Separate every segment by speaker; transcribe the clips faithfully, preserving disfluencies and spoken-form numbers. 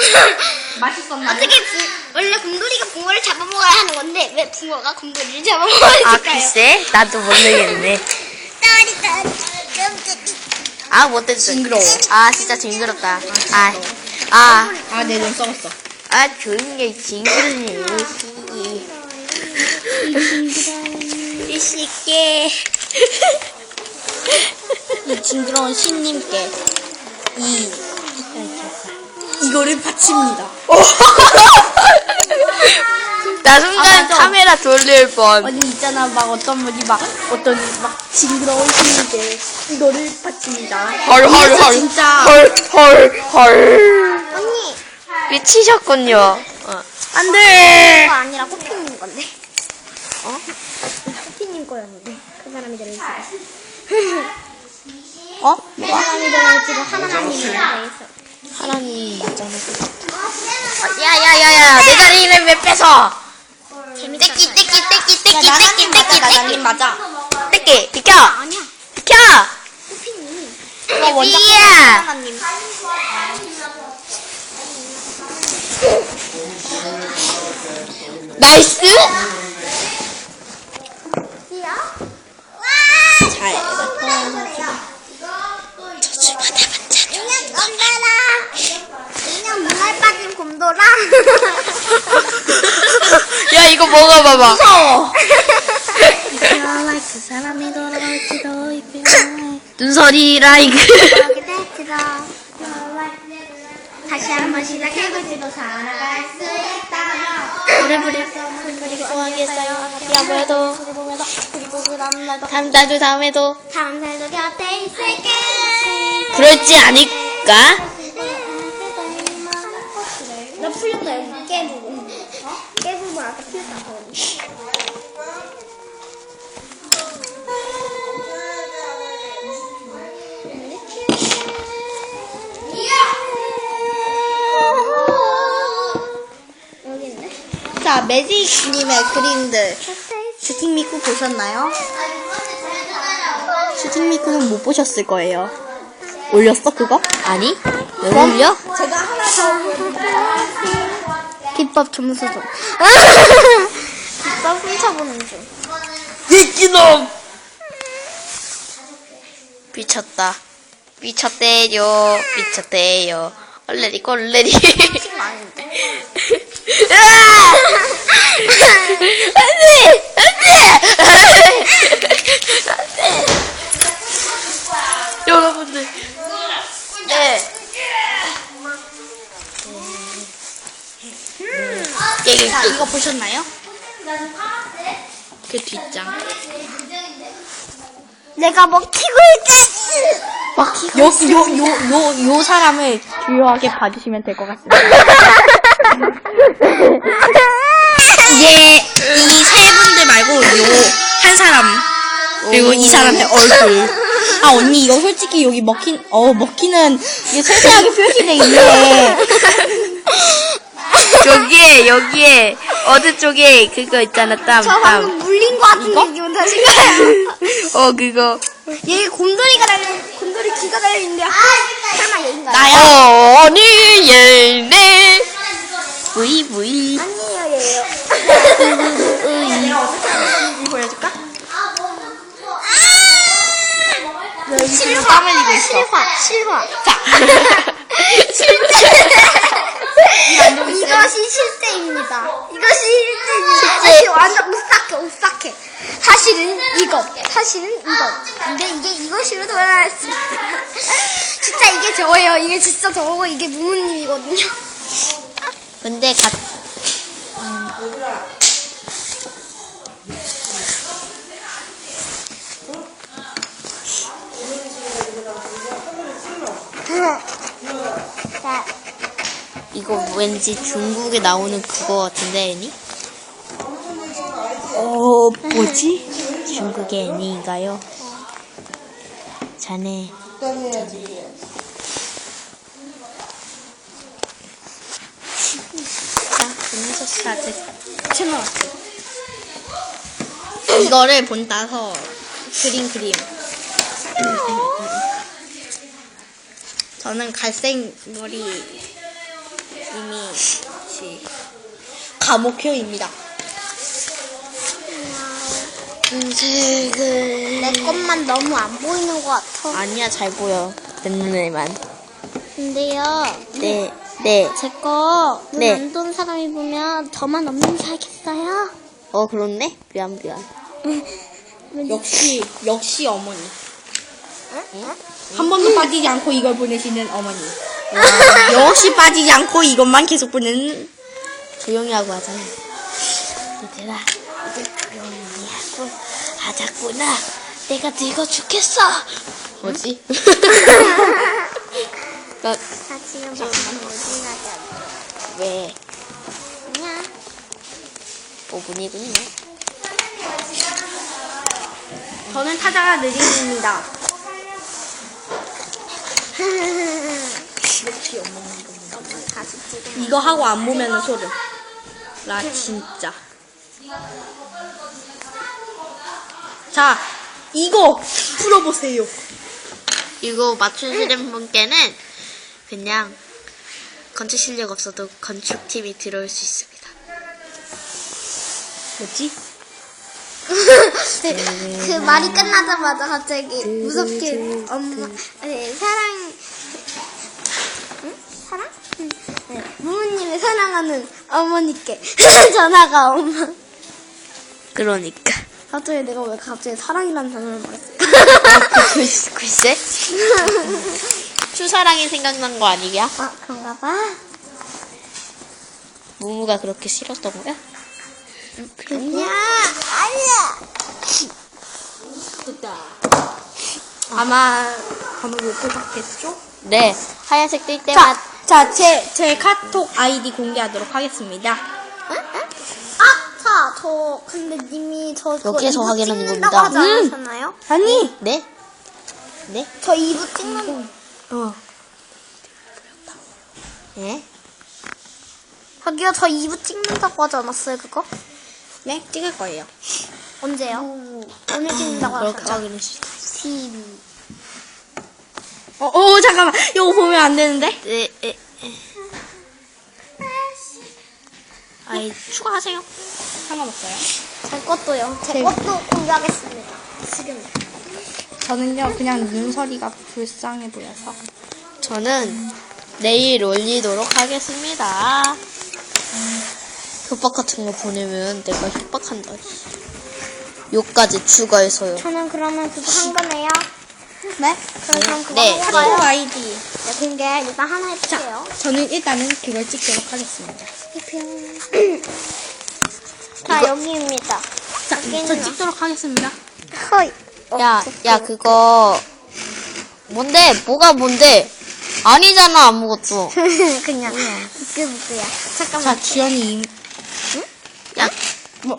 Speaker 1: 맛있었나요?
Speaker 2: 어떻게 붕, 원래 곰돌이가 붕어를 잡아먹어야 하는 건데 왜 붕어가 곰돌이를 잡아먹었을까요?
Speaker 3: 아, 글쎄? 나도 모르겠네. 아, 못했어.
Speaker 1: 징그러워.
Speaker 3: 아, 진짜 징그럽다. 아, 아,
Speaker 1: 아, 내 눈 썩었어.
Speaker 3: 아, 조용히 해. 징그러네.
Speaker 2: 이 씨께
Speaker 1: 이 징그러운 신님께 이 이거를 바칩니다.
Speaker 3: 나 순간
Speaker 1: 아, 맞아.
Speaker 3: 카메라 돌릴 뻔.
Speaker 1: 아니 있잖아 막 어떤 분이 막 어떤 막 징그러운 신님께 이거를 바칩니다.
Speaker 3: 헐, 헐,
Speaker 1: 이래서
Speaker 3: 헐.
Speaker 1: 진짜
Speaker 3: 헐, 헐, 헐.
Speaker 2: 언니
Speaker 3: 미치셨군요. 어. 안 돼!
Speaker 2: 그거 아니라 코피님 건데 어? 코피님 거였는데 그 사람이 들어있어
Speaker 1: 어?
Speaker 2: 그 사람이 들어있지고 하나님이 들어있어
Speaker 3: 하나님 있잖아. 어, 야, 야, 야, 야. 내 자리를 왜 뺏어?
Speaker 2: 재밌었어요.
Speaker 3: 떼끼, 떼끼, 떼끼, 떼끼,
Speaker 1: 야 나나님
Speaker 3: 떼끼,
Speaker 1: 맞아
Speaker 3: 떼끼,
Speaker 1: 나나님 맞아.
Speaker 3: 떼끼. 비켜!
Speaker 2: 아니야
Speaker 3: 비켜!
Speaker 2: 코피님
Speaker 1: 이거 원작
Speaker 3: 야!
Speaker 1: 하나님.
Speaker 3: 나이스!
Speaker 1: 잘.
Speaker 2: 그냥 건달아 그냥 문알 빠진 곰돌아
Speaker 3: 야, 이거 먹어봐봐.
Speaker 1: 무서워.
Speaker 2: 그 사람이 돌아올지도 이쁘게
Speaker 3: 눈설이 라이크.
Speaker 2: 그렇게 될지도 다시 한번 시작해볼지도 살아갈 수 있다면
Speaker 3: 부리, 부리.
Speaker 2: 그리고
Speaker 3: 좋아하겠어요. 야무해도.
Speaker 2: 그리고 그리고 그 다음날도
Speaker 3: 다음 달도 다음에도.
Speaker 2: 다음 살도 곁에 있을게
Speaker 3: 그럴지 않을까?
Speaker 2: 나 풀렸다 여기 깨부분 깨부분 아까 풀렸다고 여기 있네
Speaker 1: 자 매직님의 그림들 슈팅 미쿠 보셨나요? 슈팅 미쿠는 못 보셨을 거예요. 올렸어 그거?
Speaker 3: 아니? 왜
Speaker 1: 그럼
Speaker 3: 올려?
Speaker 1: 제가 하나 더
Speaker 2: 비법 점수점 비법 훔쳐보는 중
Speaker 3: 이끼놈! 미쳤다. 미쳤대요. 미쳤대요. 얼레리 꼴레리. 안돼! 안돼! 안돼! 여러분들. 네.
Speaker 1: 자 이거 보셨나요?
Speaker 3: 그 뒷장.
Speaker 2: 내가 먹히고 있겠지
Speaker 1: 요, 요, 요, 요, 요 사람을 주요하게 봐주시면 될 것 같습니다. 이게 이 세 분들 말고 요 한 사람 그리고 이 사람의 얼굴. 아 언니 이거 솔직히 여기 먹힌 어 먹히는 이게 세세하게 표시돼 있네.
Speaker 3: 여기에 여기에 어느 쪽에 그거 있잖아. 땀
Speaker 2: 저
Speaker 3: 땀.
Speaker 2: 방금 물린 거 같은 느낌은 다신가요?
Speaker 3: 어 그거.
Speaker 2: 얘 곰돌이가 달려 곰돌이 귀가 달려있는데 설마 얘인가요?
Speaker 1: 나야.
Speaker 3: 어 아니 얘네. 부이 부이.
Speaker 2: 아니에요 얘예요
Speaker 1: 내가 어떻게 하는지 보여줄까?
Speaker 2: 실화
Speaker 1: 땀 흘리고 있어.
Speaker 2: 실화 실화
Speaker 1: 자.
Speaker 2: 이것이 실제입니다. 이것이 실제입니다. 사실 완전 오싹해, 오싹해. 사실은 이거, 사실은 이거. 근데 이게 이것으로 돌아왔습니다. 진짜 이게 저예요. 이게 진짜 저고 이게 무무님이거든요.
Speaker 3: 근데 가.
Speaker 2: 자,
Speaker 3: 이거 왠지 중국에 나오는 그거 같은데 애니?
Speaker 1: 어 뭐지?
Speaker 3: 중국의 애니인가요? 자네.
Speaker 1: 자, 제 채널 이거를 본따서 그린 그림. 저는 갈색 머리 이미 시 감옥효입니다.
Speaker 3: 색을
Speaker 2: 내 것만 너무 안 보이는 것 같아.
Speaker 3: 아니야 잘 보여 내 눈에만.
Speaker 2: 근데요,
Speaker 3: 네, 네.
Speaker 2: 제 거 눈
Speaker 3: 네.
Speaker 2: 안 좋은 사람이 보면 저만 없는 줄 알겠어요?
Speaker 3: 어 그렇네. 미안 미안.
Speaker 1: 역시 역시 어머니. 한 번도 빠지지 않고 이걸 보내시는 어머니. 와, 역시 빠지지 않고 이것만 계속 보내는.
Speaker 3: 조용히 하고 하자. 얘들아, 이제 조용히 하고 하자꾸나. 내가 늙어 죽겠어. 뭐지? 나
Speaker 2: 나 지금 방금 어디 가자.
Speaker 3: 왜?
Speaker 2: 그냥.
Speaker 3: 오 분이군요.
Speaker 1: 저는 타자가 느린입니다.
Speaker 2: 다시 찍어.
Speaker 1: 이거 하고 안 보면은 소름. 나 진짜. 자, 이거 풀어보세요.
Speaker 3: 이거 맞추시는 분께는 그냥 건축 실력 없어도 건축팀이 들어올 수 있습니다.
Speaker 1: 뭐지?
Speaker 2: 그, 그 말이 끝나자마자 갑자기 무섭게 엄마 네, 사랑 응? 사랑? 응. 네, 부모님을 사랑하는 어머니께 전화가 엄마.
Speaker 3: 그러니까.
Speaker 2: 갑자기 내가 왜 갑자기 사랑이라는 단어를 말했어?
Speaker 3: 글쎄? 글쎄? 추사랑이 생각난 거 아니냐?
Speaker 2: 아 그런가 봐.
Speaker 3: 무무가 그렇게 싫었던 거야?
Speaker 2: 그냥 아니야.
Speaker 1: 됐다. 아마 번호 못 뽑았겠죠?
Speaker 3: 네. 하얀색 뜰 때마다.
Speaker 1: 자, 자, 제, 제 카톡 아이디 공개하도록 하겠습니다.
Speaker 2: 아, 자, 저 근데 님이 저 그거
Speaker 3: 여기에서
Speaker 2: 이부
Speaker 3: 확인하는
Speaker 2: 찍는다고
Speaker 3: 겁니다.
Speaker 2: 하지
Speaker 1: 음.
Speaker 2: 않으셨나요?
Speaker 1: 아니!
Speaker 3: 네? 네?
Speaker 2: 저 이부 찍는
Speaker 1: 어.
Speaker 3: 네?
Speaker 2: 저기요, 저 이부 찍는다고 하지 않았어요, 그거?
Speaker 1: 네, 찍을 거예요.
Speaker 2: 언제요? 오늘 찍는다고
Speaker 3: 그렇게
Speaker 2: 하셨죠?
Speaker 3: 확인했습니다.
Speaker 2: 티비.
Speaker 1: 어, 어, 잠깐만. 이거 보면 안 되는데?
Speaker 3: 네, 에, 에. 아이, 추가하세요.
Speaker 1: 상관없어요.
Speaker 2: 제 것도요. 제
Speaker 1: 제-
Speaker 2: 것도 공개하겠습니다. 지금.
Speaker 1: 저는요, 그냥 눈서리가 불쌍해 보여서.
Speaker 3: 저는 내일 올리도록 하겠습니다. 협박 같은 거 보내면 내가 협박한다. 욕까지 추가해서요.
Speaker 2: 저는 그러면 그거 한 거네요. 네? 그럼 그럼 그거
Speaker 3: 네,
Speaker 1: 카톡
Speaker 2: 해봐요.
Speaker 1: 아이디.
Speaker 2: 네, 공개 일단 하나 해볼게요.
Speaker 1: 저는 일단은 그걸 찍도록 하겠습니다.
Speaker 2: 자, 여기입니다.
Speaker 1: 자,
Speaker 2: 여기는
Speaker 1: 저 찍도록 하겠습니다.
Speaker 2: 허이.
Speaker 3: 야, 야, 그거. 뭔데? 뭐가 뭔데? 아니잖아, 아무것도.
Speaker 2: 그냥 부끄부끄야. 잠깐만.
Speaker 1: 자, 주연이.
Speaker 3: 야,
Speaker 1: 뭐,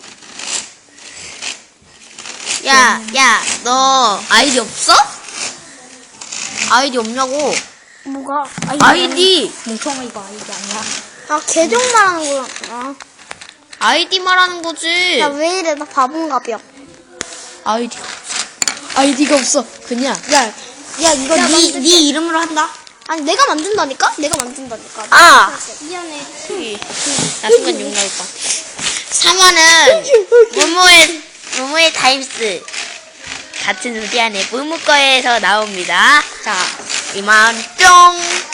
Speaker 3: 야, 야, 너 아이디 없어? 아이디 없냐고.
Speaker 2: 뭐가?
Speaker 3: 아이디!
Speaker 1: 멍청아, 이거 아이디 아니야.
Speaker 2: 아, 계정 말하는 거구나.
Speaker 3: 아이디 말하는 거지.
Speaker 2: 야, 왜 이래? 나 바본가벼.
Speaker 3: 아이디가 없어. 아이디가 없어. 그냥.
Speaker 1: 야, 야, 이거
Speaker 2: 야,
Speaker 1: 니,
Speaker 2: 만들게.
Speaker 1: 니 이름으로 한다?
Speaker 2: 아니, 내가 만든다니까? 내가 만든다니까.
Speaker 3: 아!
Speaker 2: 미안해.
Speaker 3: 나 순간 욕 나올 것 같아. 삼 화는 무무의, 무무의 타임스. 같은 우리 안에 무무 거에서 나옵니다. 자, 이만 뿅!